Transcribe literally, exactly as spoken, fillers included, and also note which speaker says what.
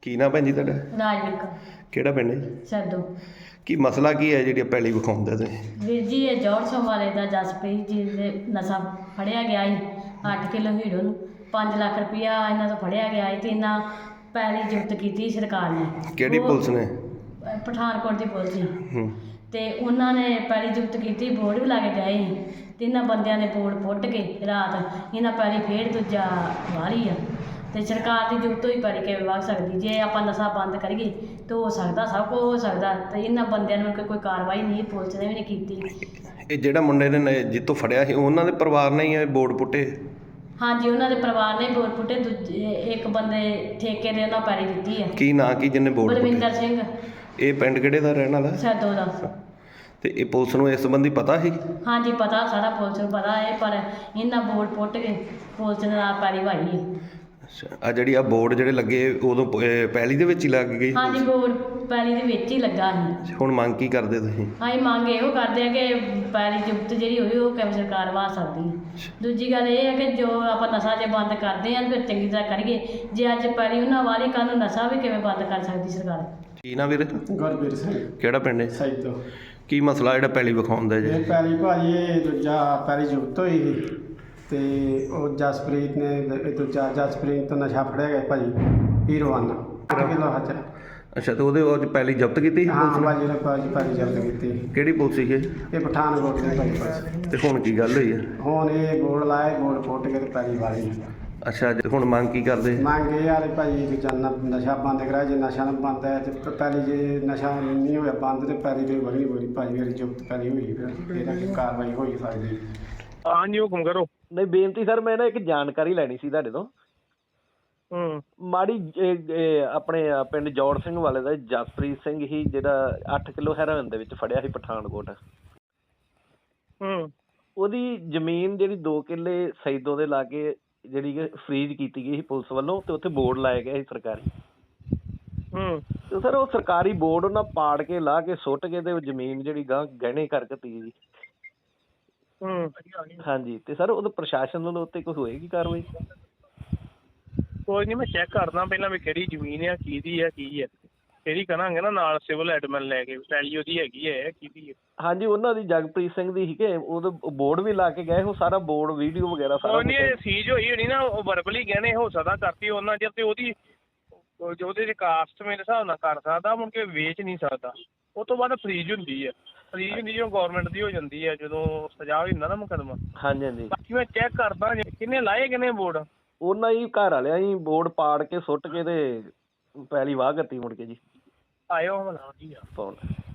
Speaker 1: ਕੀ ਨਾਮ ਭੈਣ ਜੀ ਤੁਹਾਡਾ?
Speaker 2: ਰਾਜਵਿਕ
Speaker 1: ਕਿਹੜਾ ਪਿੰਡ ਹੈ?
Speaker 2: ਸੈਦੋ।
Speaker 1: ਕੀ ਮਸਲਾ ਕੀ ਹੈ ਜਿਹੜੀ ਪਹਿਲੀ ਵਿਖਾਉਂਦੇ ਤੁਸੀਂ?
Speaker 2: ਵੀਰ ਜੀ ਇਹ ਜੌਹਰ ਸਿੰਘ ਵਾਲੇ ਦਾ ਜਸਪ੍ਰੀਤ ਜੀ ਦੇ ਨਸ਼ਾ ਫੜਿਆ ਗਿਆ ਸੀ ਅੱਠ ਕਿਲੋ ਹੀਰੋ ਨੂੰ ਪੰਜ ਲੱਖ ਰੁਪਇਆ ਇਹਨਾਂ ਤੋਂ ਫੜਿਆ ਗਿਆ ਸੀ ਤੇ ਇਹਨਾਂ ਪੈਲੀ ਜ਼ਬਤ ਕੀਤੀ ਸਰਕਾਰ ਨੇ।
Speaker 1: ਕਿਹੜੀ
Speaker 2: ਉਹ
Speaker 1: ਪੁਲਿਸ ਨੇ?
Speaker 2: ਪਠਾਨਕੋਟ ਦੀ ਪੁਲਿਸ ਸੀ
Speaker 1: ਹੂੰ
Speaker 2: ਤੇ ਉਹਨਾਂ ਨੇ ਪੈਲੀ ਜ਼ਬਤ ਕੀਤੀ, ਬੋਰਡ ਵੀ ਲਾ ਕੇ ਗਏ ਸੀ ਤੇ ਇਹਨਾਂ ਬੰਦਿਆਂ ਨੇ ਬੋਰਡ ਪੁੱਟ ਕੇ ਰਾਤ ਇਹਨਾਂ ਪੈਲੀ ਫੇਰ ਦੂਜਾ ਵਾਲੀ ਆ ਤੇ ਸਰਕਾਰ ਦੀ ਜ਼ਰੂਰਤ ਹੋਈ ਪੈਲੀ ਕਿਵੇਂ ਵਗ ਸਕਦੀ? ਜੇ ਆਪਾਂ ਨਸ਼ਾ ਬੰਦ ਕਰੀਏ ਤਾਂ ਹੋ ਸਕਦਾ, ਸਭ ਕੁਝ ਹੋ ਸਕਦਾ। ਤੇ ਇਹਨਾਂ ਬੰਦਿਆਂ ਨੂੰ ਕੋਈ ਕਾਰਵਾਈ ਨਹੀਂ, ਪੁਲਿਸ ਨੇ ਵੀ ਨਹੀਂ ਕੀਤੀ।
Speaker 1: ਇਹ ਜਿਹੜਾ ਮੁੰਡੇ ਨੇ ਜਿੱਤੋਂ ਫੜਿਆ ਸੀ ਉਹਨਾਂ ਦੇ ਪਰਿਵਾਰ ਨੇ ਹੀ ਇਹ ਬੋਰਡ ਪੁੱਟੇ?
Speaker 2: ਹਾਂਜੀ, ਉਹਨਾਂ ਦੇ ਪਰਿਵਾਰ ਨੇ ਬੋਰਡ ਪੁੱਟੇ। ਦੂਜੇ ਇੱਕ ਬੰਦੇ ਠੇਕੇ ਦੇ ਉਹਨਾਂ ਪੈਲੀ ਦਿੱਤੀ ਹੈ।
Speaker 1: ਕੀ ਨਾਂ ਕੀ ਜਿਹਨੇ ਬੋਰਡ ਪੁੱਟੇ?
Speaker 2: ਬਲਵਿੰਦਰ ਸਿੰਘ।
Speaker 1: ਇਹ ਪਿੰਡ ਕਿਹੜੇ ਦਾ ਰਹਿਣ ਵਾਲਾ?
Speaker 2: ਸੈਦੋ ਦਾ।
Speaker 1: ਤੇ ਇਹ ਪੁਲਿਸ ਨੂੰ ਇਸ ਸੰਬੰਧੀ ਪਤਾ ਸੀ?
Speaker 2: ਹਾਂਜੀ ਪਤਾ, ਸਾਰਾ ਪੁਲਿਸ ਨੂੰ ਪਤਾ ਹੈ, ਪਰ ਇਹਨਾਂ ਬੋਰਡ ਪੁੱਟ ਕੇ ਪੁਲਿਸ ਨੇ ਨਾਲ ਪੈਲੀ ਵਾਈ ਹੈ।
Speaker 1: ਅੱਛਾ, ਆ ਜਿਹੜੀ ਆ ਬੋਰਡ ਜਿਹੜੇ ਲੱਗੇ ਉਦੋਂ ਪਹਿਲੀ ਦੇ ਵਿੱਚ ਹੀ ਲੱਗ ਗਈ?
Speaker 2: ਹਾਂਜੀ, ਬੋਰਡ ਪੈਲੀ ਦੇ ਵਿੱਚ ਹੀ ਲੱਗਾ ਸੀ।
Speaker 1: ਹੁਣ ਮੰਗ ਕੀ ਕਰਦੇ ਤੁਸੀਂ?
Speaker 2: ਅਸੀਂ ਮੰਗ ਇਹੋ ਕਰਦੇ ਆ ਕਿ ਪੈਲੀ ਜ਼ਬਤ ਜਿਹੜੀ ਹੋਈ ਉਹ ਕਿਵੇਂ ਸਰਕਾਰ ਵਾ ਸਕਦੀ ਹੈ। ਦੂਜੀ ਗੱਲ ਇਹ ਹੈ ਕਿ ਜੋ ਆਪਾਂ ਨਸ਼ਾ ਜੇ ਬੰਦ ਕਰਦੇ ਹਾਂ ਫਿਰ ਚੰਗੀ ਤਰ੍ਹਾਂ ਕਰੀਏ। ਜੇ ਅੱਜ ਪੈਲੀ ਉਹਨਾਂ ਵਾਲੀ, ਕੱਲ੍ਹ ਨੂੰ ਨਸ਼ਾ ਵੀ ਕਿਵੇਂ ਬੰਦ ਕਰ ਸਕਦੀ ਸਰਕਾਰ?
Speaker 1: ਕੀ ਨਾ ਵੀਰ?
Speaker 3: ਗੁਰਬੀਰ ਸਿੰਘ।
Speaker 1: ਕਿਹੜਾ ਪਿੰਡ ਹੈ?
Speaker 3: ਸੈਦੋ।
Speaker 1: ਕੀ ਮਸਲਾ ਜਿਹੜਾ ਪਹਿਲੀ ਵਿਖਾਉਂਦਾ ਜੀ?
Speaker 3: ਇਹ ਪੈਲੀ ਭਾਜੀ ਇਹ ਦੂਜਾ ਪੈਲੀ ਜ਼ਬਤ ਹੋਈ ਸੀ ਤੇ ਉਹ ਜਸਪ੍ਰੀਤ ਨੇ ਇਹ ਦੂਜਾ ਜਸਪ੍ਰੀਤ ਤੋਂ ਨਸ਼ਾ ਫੜਿਆ ਗਿਆ ਭਾਜੀ ਹੀਰੋ ਵਨ ਅੱਠ ਕਿਲੋ ਹੱਥ।
Speaker 1: ਅੱਛਾ, ਤੇ ਉਹਦੇ ਉਹ ਪਹਿਲੀ ਜ਼ਬਤ ਕੀਤੀ ਸੀ
Speaker 3: ਹਾਂ
Speaker 1: ਪੁਲਿਸ ਨੇ?
Speaker 3: ਭਾਜੀ ਨੇ ਭਾਜੀ ਪੈਲੀ ਜ਼ਬਤ ਕੀਤੀ।
Speaker 1: ਕਿਹੜੀ ਪੁਲਿਸ ਸੀ ਇਹ?
Speaker 3: ਇਹ ਪਠਾਨਕੋਟ ਦੇ ਭਾਈ ਪਾਸ।
Speaker 1: ਤੇ ਹੁਣ ਕੀ ਗੱਲ ਹੋਈ ਹੈ?
Speaker 3: ਹੁਣ ਇਹ ਬੋਰਡ ਲਾਏ, ਬੋਰਡ ਪੁੱਟ ਕੇ ਤੇ ਪੈਲੀ ਵਾਲੀ।
Speaker 1: ਅੱਛਾ, ਤੇ ਹੁਣ ਮੰਗ ਕੀ ਕਰਦੇ?
Speaker 3: ਮੰਗ ਇਹ ਆ ਭਾਜੀ ਦੂਜਾ ਨ- ਨਸ਼ਾ ਬੰਦ ਕਰਾਇਆ। ਜੇ ਨਸ਼ਾ ਨਾ ਬੰਦ ਹੈ ਤੇ ਪੈਲੀ ਜੇ ਨਸ਼ਾ ਨਹੀਂ ਹੋਇਆ ਬੰਦ ਤੇ ਪੈਲੀ ਤੇ ਵਧਣੀ ਬੋਲੀ ਭਾਜੀ ਮੇਰੀ ਜ਼ਬਤ ਪੈਲੀ ਹੋਈ ਫਿਰ ਇਹਦਾ ਕੀ ਕਾਰਵਾਈ ਹੋਈ ਸਕਦੀ?
Speaker 4: ਹਾਂਜੀ ਹੁਕਮ ਕਰੋ।
Speaker 5: ਨਹੀਂ ਬੇਨਤੀ ਸਰ, ਮੈਂ ਨਾ ਇੱਕ ਜਾਣਕਾਰੀ ਲੈਣੀ ਸੀ ਤੁਹਾਡੇ ਤੋਂ।
Speaker 4: ਹੂੰ
Speaker 5: ਮਾੜੀ ਇਹ- ਇਹ ਆਪਣੇ ਪਿੰਡ ਜੌਹਰ ਸਿੰਘ ਵਾਲੇ ਦਾ ਜਸਪ੍ਰੀਤ ਸਿੰਘ ਹੀ ਜਿਹੜਾ ਅੱਠ ਕਿਲੋ ਹੈਰੋਇਨ ਦੇ ਵਿੱਚ ਫੜਿਆ ਸੀ ਪਠਾਨਕੋਟ।
Speaker 4: ਹੂੰ
Speaker 5: ਉਹਦੀ ਜ਼ਮੀਨ ਜਿਹੜੀ ਦੋ ਕਿੱਲੇ ਸੈਦੋ ਦੇ ਲਾਗੇ ਜਿਹੜੀ ਕਿ ਫਰੀਜ਼ ਕੀਤੀ ਗਈ ਸੀ ਪੁਲਿਸ ਵੱਲੋਂ ਤੇ ਉੱਥੇ ਬੋਰਡ ਲਾਇਆ ਗਿਆ ਸੀ ਸਰਕਾਰੀ।
Speaker 4: ਹੂੰ
Speaker 5: ਤੇ ਸਰ ਉਹ ਸਰਕਾਰੀ ਬੋਰਡ ਉਹਨਾਂ ਪਾੜ ਕੇ ਲਾਹ ਕੇ ਸੁੱਟ ਕੇ ਤੇ ਉਹ ਜ਼ਮੀਨ ਜਿਹੜੀ ਗਾਂ ਗਹਿਣੇ ਕਰ ਦਿੱਤੀ ਜੀ।
Speaker 4: ਹੂੰ
Speaker 5: ਹਾਂਜੀ, ਤੇ ਸਰ ਉਹਦੇ ਪ੍ਰਸ਼ਾਸਨ ਵੱਲੋਂ ਉੱਤੇ ਕੋਈ ਹੋਏਗੀ ਕਾਰਵਾਈ?
Speaker 4: ਕੋਈ ਨਹੀਂ, ਮੈਂ ਚੈੱਕ ਕਰਦਾ ਪਹਿਲਾਂ ਵੀ ਕਿਹੜੀ ਜ਼ਮੀਨ ਆ, ਕਿਹਦੀ ਆ, ਕੀ ਆ। ਕਿਹੜੀ ਕਰਾਂਗੇ ਨਾ ਨਾਲ ਸਿਵਲ ਐਡਮਿਨ ਲੈ ਕੇ ਪੈਲੀ ਉਹਦੀ ਹੈਗੀ ਹੈ, ਕਿਹਦੀ ਹੈ।
Speaker 5: ਹਾਂਜੀ, ਉਹਨਾਂ ਦੀ ਜਗਪ੍ਰੀਤ ਸਿੰਘ ਦੀ ਸੀਗੇ, ਉਹਦੇ ਬੋਰਡ ਵੀ ਲਾ ਕੇ ਗਏ, ਉਹ ਸਾਰਾ ਬੋਰਡ ਵੀਡੀਓ ਵਗੈਰਾ ਸਾਰਾ
Speaker 4: ਕੋਈ ਨਹੀਂ, ਸੀਜ ਹੋਈ ਹੋਣੀ ਨਾ, ਉਹ ਵਰਬਲੀ ਗਹਿਣੇ ਹੋ ਸਕਦਾ ਕਰਤੀ ਉਹਨਾਂ ਚਿਰ ਤੇ ਉਹਦੀ ਜੋ ਉਹਦੇ ਕਾਸਟ ਮੇਰੇ ਹਿਸਾਬ ਨਾਲ ਕਰ ਸਕਦਾ, ਮੁੜ ਕੇ ਵੇਚ ਨਹੀਂ ਸਕਦਾ। ਉਹ ਤੋਂ ਬਾਅਦ ਫਰੀਜ ਹੁੰਦੀ ਹੈ, ਫਰੀਜ ਹੁੰਦੀ ਜਦੋਂ ਗੌਰਮੈਂਟ ਦੀ ਹੋ ਜਾਂਦੀ ਹੈ, ਜਦੋਂ ਸਜ਼ਾ ਹੋ ਜਾਂਦਾ ਨਾ ਮੁਕੱਦਮਾ।
Speaker 5: ਹਾਂਜੀ ਹਾਂਜੀ,
Speaker 4: ਬਾਕੀ ਮੈਂ ਚੈੱਕ ਕਰਦਾ ਕਿੰਨੇ ਲਾਏ ਕਿੰਨੇ ਬੋਰਡ।
Speaker 5: ਉਹਨਾਂ ਹੀ ਘਰ ਵਾਲਿਆਂ ਹੀ ਬੋਰਡ ਪਾੜ ਕੇ ਸੁੱਟ ਕੇ ਤੇ ਪੈਲੀ ਵਾਹ ਕਰਤੀ ਮੁੜ ਕੇ ਜੀ।
Speaker 4: ਆਇਓ ਹਮਲਾ ਜੀ ਆ
Speaker 5: ਫੋਨ